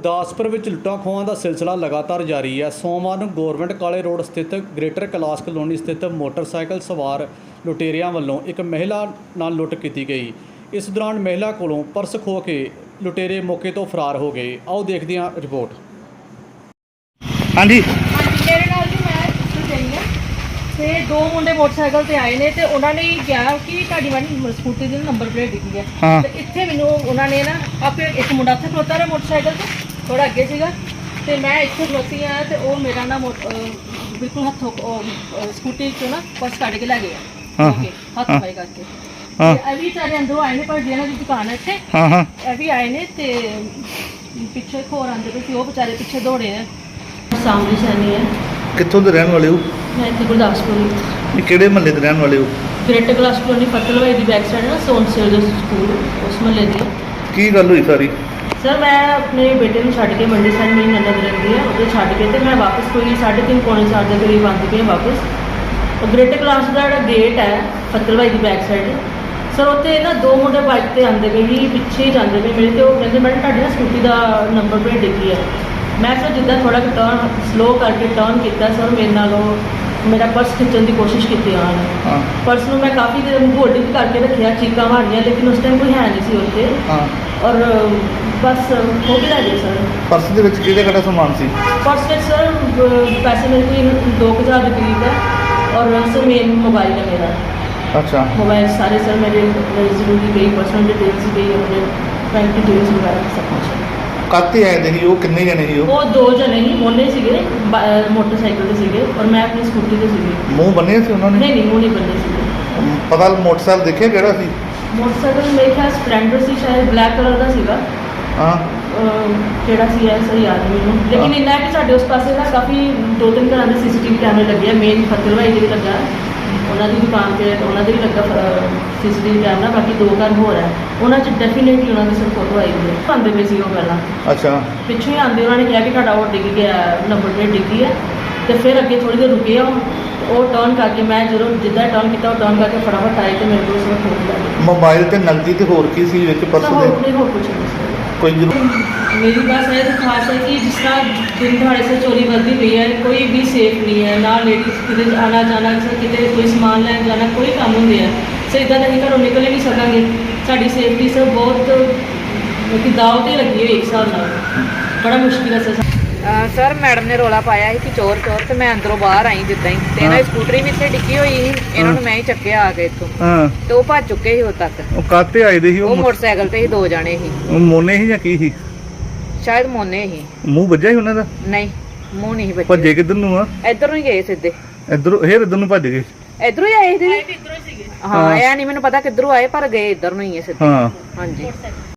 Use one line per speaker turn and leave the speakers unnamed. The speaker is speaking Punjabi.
ਗੁਰਦਾਸਪੁਰ ਵਿੱਚ ਲੁੱਟਾਂ ਖੋਹਾਂ ਦਾ ਸਿਲਸਿਲਾ ਲਗਾਤਾਰ ਜਾਰੀ ਹੈ। ਸੋਮਵਾਰ ਨੂੰ ਗੌਰਮੈਂਟ ਕਾਲੇ ਰੋਡ ਸਥਿਤ ਗ੍ਰੇਟਰ ਕੈਲਾਸ਼ ਕਲੋਨੀ ਸਥਿਤ ਮੋਟਰਸਾਈਕਲ ਸਵਾਰ ਲੁਟੇਰਿਆਂ ਵੱਲੋਂ ਇੱਕ ਮਹਿਲਾ ਨਾਲ ਲੁੱਟ ਕੀਤੀ ਗਈ। ਇਸ ਦੌਰਾਨ ਮਹਿਲਾ ਕੋਲੋਂ ਪਰਸ ਖੋਹ ਕੇ ਲੁਟੇਰੇ ਮੌਕੇ ਤੋਂ ਫਰਾਰ ਹੋ ਗਏ। ਆਓ ਦੇਖਦੇ ਹਾਂ ਰਿਪੋर्ट।
हाँ जी
ਮੇਰੇ ਨਾਲ ਜੀ ਮੈਂ ਇੱਥੇ ਗਈ ਹਾਂ ਤੇ ਦੋ ਮੁੰਡੇ ਮੋਟਰਸਾਈਕਲ ਤੇ ਆਏ ਨੇ ਤੇ ਉਹਨਾਂ ਨੇ ਕਿਹਾ ਕਿ ਤੁਹਾਡੀ ਵਾਲੀ ਸਕੂਟੀ ਦੀ ਨੰਬਰ ਪਲੇਟ ਦਿਖੀ ਹੈ।
हाँ
ਤੇ ਇੱਥੇ ਮੈਨੂੰ ਉਹਨਾਂ ਨੇ ਨਾ ਆਪੇ ਇੱਕ ਮੁੰਡਾ ਇੱਥੇ ਖਲੋਤਾ ਰਿਹਾ ਮੋਟਰਸਾਈਕਲ ਤੇ ਥੋੜਾ ਅੱਗੇ ਸੀਗਾ ਤੇ ਮੈਂ ਇੱਥੇ ਖਲੋਤੀ ਆ ਤੇ ਉਹ ਮੇਰਾ ਨਾ ਬਿਲਕੁਲ ਹੱਥੋਂ ਸਕੂਟੀ ਚੋਂ ਨਾ ਪਰਸ ਕੱਢ ਕੇ ਲੈ ਗਿਆ।
हाँ
ਓਕੇ ਹੱਥ ਪਾਈ ਕਰਕੇ
हाँ
ਇਹ ਵੀ ਸਾਰੇ ਅੰਦਰੋਂ ਆਏ ਨੇ ਪਰ ਜਿਹਨਾਂ ਦੀ ਦੁਕਾਨ ਹੈ ਇੱਥੇ
हाँ हाँ
ਇਹ ਵੀ ਆਏ ਨੇ ਤੇ ਪਿੱਛੇ ਹੋਰ ਆਂਦੇ ਪਏ ਸੀ ਉਹ ਵਿਚਾਰੇ ਪਿੱਛੇ ਦੌੜੇ ਨੇ। ਸਾਹਮਣੇ ਸੈਣੀ ਹੈ
कित्थों दे रहने वाले हो?
ਮੈਂ ਇੱਥੇ ਗੁਰਦਾਸਪੁਰ
ये केड़े महल्ले दे रहने वाले हो?
ਗ੍ਰੇਟਰ ਕਲਾਸ ਕਲੋਨੀ ਫਤਲਵਾਈ ਦੀ ਬੈਕ ਸਾਈਡ ਨਾ ਸੋਨਸੇਲ ਦੇ ਸਕੂਲ ਉਸ ਮਹੱਲੇ ਦੀ।
की गल हुई सारी?
ਸਰ ਮੈਂ ਆਪਣੇ ਬੇਟੇ ਨੂੰ ਛੱਡ ਕੇ ਮੰਡੀ ਸਾਈਡ ਮੇਰੀ ਨਨਦ ਰਹਿੰਦੀ ਹੈ ਉਹਦੇ ਛੱਡ ਕੇ ਤੇ ਮੈਂ ਵਾਪਸ ਕੋਈ 3:30 ਪੌਣੇ 4 ਦੇ ਕਰੀਬ ਆਉਂਦੀ ਪਈ ਵਾਪਸ। ਉਹ ਗ੍ਰੇਟਰ ਕਲਾਸ ਦਾ ਜਿਹੜਾ ਗੇਟ ਹੈ ਫਤਲਵਾਈ ਦੀ ਬੈਕ ਸਾਈਡ ਸਰ ਉੱਥੇ ਨਾ ਦੋ ਮੁੰਡੇ ਬਾਈਕ ਤੇ ਆਉਂਦੇ ਪਏ ਸੀ ਪਿੱਛੇ ਹੀ ਜਾਂਦੇ ਪਏ ਮੇਰੇ ਤੇ ਉਹ ਕਹਿੰਦੇ ਮੈਡਮ ਤੁਹਾਡੀ ਨਾ ਸਕੂਟੀ ਦਾ ਨੰਬਰ ਪਲੇਟ ਡਿੱਗੀ ਹੈ। ਮੈਂ ਸਰ ਜਿੱਦਾਂ ਥੋੜਾ ਟਰਨ ਸਲੋ ਕਰਕੇ ਟਰਨ ਕੀਤਾ ਸਰ ਮੇਰੇ ਨਾਲ ਉਹ ਮੇਰਾ ਪਰਸ ਖਿੱਚਣ ਦੀ ਕੋਸ਼ਿਸ਼ ਕੀਤੀ ਉਹਨਾਂ ਨੇ।
हाँ
ਪਰਸ ਨੂੰ ਮੈਂ ਕਾਫੀ ਦੇਰ ਹੋਲਡ ਕਰਕੇ ਰੱਖਿਆ ਚੀਕਾਂ ਮਾਰੀਆਂ ਲੇਕਿਨ ਉਸ ਟਾਈਮ ਕੋਈ ਹੈ ਨਹੀਂ ਸੀ ਉੱਥੇ
हाँ
ਔਰ ਬਸ ਹੋ ਗਿਆ ਜੀ ਸਰ।
पर्स दे विच किहड़ा समान सी?
ਪਰਸ ਵਿੱਚ ਸਰ ਪੈਸੇ ਮੇਰੇ ਕੋਲ 2000 ਦੇ ਕਰੀਬ ਹੈ ਔਰ ਸਰ ਮੇਨ ਮੋਬਾਈਲ ਹੈ ਮੇਰਾ।
अच्छा
मोबाइल सारे सर मेरे ज़रूरी गई पर्सनल डिटेल्स गई अपने बैंक डिटेल्स वगैरह सब कुछ।
काते आए दे ही वो किन्ने जने ही
वो दो जने ही मोने सीगे मोटरसाइकिल ते सीगे और मैं अपनी स्कूटी ते सीगी।
मुंह बने सी उन्होंने?
नहीं नहीं मुँह नहीं बनने सीगे।
पता मोटरसाइकिल देखे केड़ा सी?
मोटरसाइकिल मेरे ख्याल स्प्लेंडर सी शायद ब्लैक कलर का सीगा।
हाँ
ਕਿਹੜਾ ਸੀ ਐ ਸਹੀ ਯਾਦ ਨਹੀਂ ਮੈਨੂੰ ਲੇਕਿਨ ਇੰਨਾ ਹੈ ਕਿ ਸਾਡੇ ਉਸ ਪਾਸੇ ਨਾ ਕਾਫੀ 2-3 ਘਰਾਂ ਦੇ ਸੀਸੀਟੀਵੀ ਕੈਮਰੇ ਲੱਗੇ ਆ। ਮੇਨ ਫਤਲਵਾਈ ਦੇ ਵੀ ਲੱਗਾ ਉਹਨਾਂ ਦੀ ਦੁਕਾਨ ਤੇ ਉਹਨਾਂ ਦੇ ਵੀ ਲੱਗਾ ਸੀਸੀਟੀਵੀ ਕੈਮਰਾ। ਬਾਕੀ ਦੋ ਘਰ ਹੋਰ ਹੈ ਉਹਨਾਂ 'ਚ ਡੈਫੀਨੇਟਲੀ ਉਹਨਾਂ ਦੀ ਸਿਰ ਫੋਟੋ ਆਈ ਹੋਈ ਹੈ। ਆਉਂਦੇ ਪਏ ਸੀ ਉਹ ਪਹਿਲਾਂ
अच्छा
ਪਿੱਛੋਂ ਹੀ ਆਉਂਦੇ ਉਹਨਾਂ ਨੇ ਕਿਹਾ ਕਿ ਤੁਹਾਡਾ ਉਹ ਡਿੱਗ ਗਿਆ ਨੰਬਰ ਪਲੇਟ ਡਿੱਗੀ ਹੈ ਤੇ ਫਿਰ ਅੱਗੇ ਥੋੜ੍ਹੀ ਦੇਰ ਰੁਕੇ ਉਹ ਟਰਨ ਕਰਕੇ ਮੈਂ ਜਦੋਂ ਜਿੱਦਾਂ ਟਰਨ ਕੀਤਾ ਉਹ ਟਰਨ ਕਰਕੇ ਫਟਾਫਟ ਆਏ ਤੇ ਮੇਰੇ ਕੋਲ ਉਸ ਵਕਤ ਫੋਨ ਲੱਗ
मोबाइल ते नकदी ते होर की सी विच पर्स
ਗਿਆ।
दे?
ਹੋਰ ਕੁਝ ਨਹੀਂ ਸੀ।
कोई जरूर
मेरी बात है तो खास है कि जिस तरह दिन दहाड़े से चोरी बढ़ती पई है कोई भी सेफ नहीं है ना लेडीज़ किते आना जाना किते कोई समान लैन जाना कोई काम होंगे है सो इदा तो घरों निकल ही नहीं सकेंगे। साड़ी सेफ्टी से बहुत कि दाव ते लगी हुई एक हिसाब नाल बड़ा मुश्किल है सर। मैडम ने रौला पाया कि चोर चोर तो मैं अंदरों बाहर आई जिदा ही तो इन्होंने स्कूटरी भी इतने डिग्गी हुई थी इन्होंने मैं ही चक्या आ गए इतों
हाँ
तो वो भज चुके ही उद तक।
वो काते आए दे ही
वो मोटरसाइकिल ते ही दो जाने ही
वो मोने ही या की ही?
शायद मोने ही
मुंह ਵੱਜਿਆ ਹੀ ਉਹਨਾਂ ਦਾ?
नहीं मुंह नहीं बचे
ਭੱਜੇ ਕਿੱਧਰ ਨੂੰ ਆ?
इधरों ही गए सीधे
ਇੱਧਰੋਂ ਇੱਧਰ ਨੂੰ ਭੱਜ ਗਏ?
इधरों ही आए थे। हाँ यह नहीं मैंने पता किधरों आए पर गए इधर नहीं है सीधे।
हाँ
हाँ जी।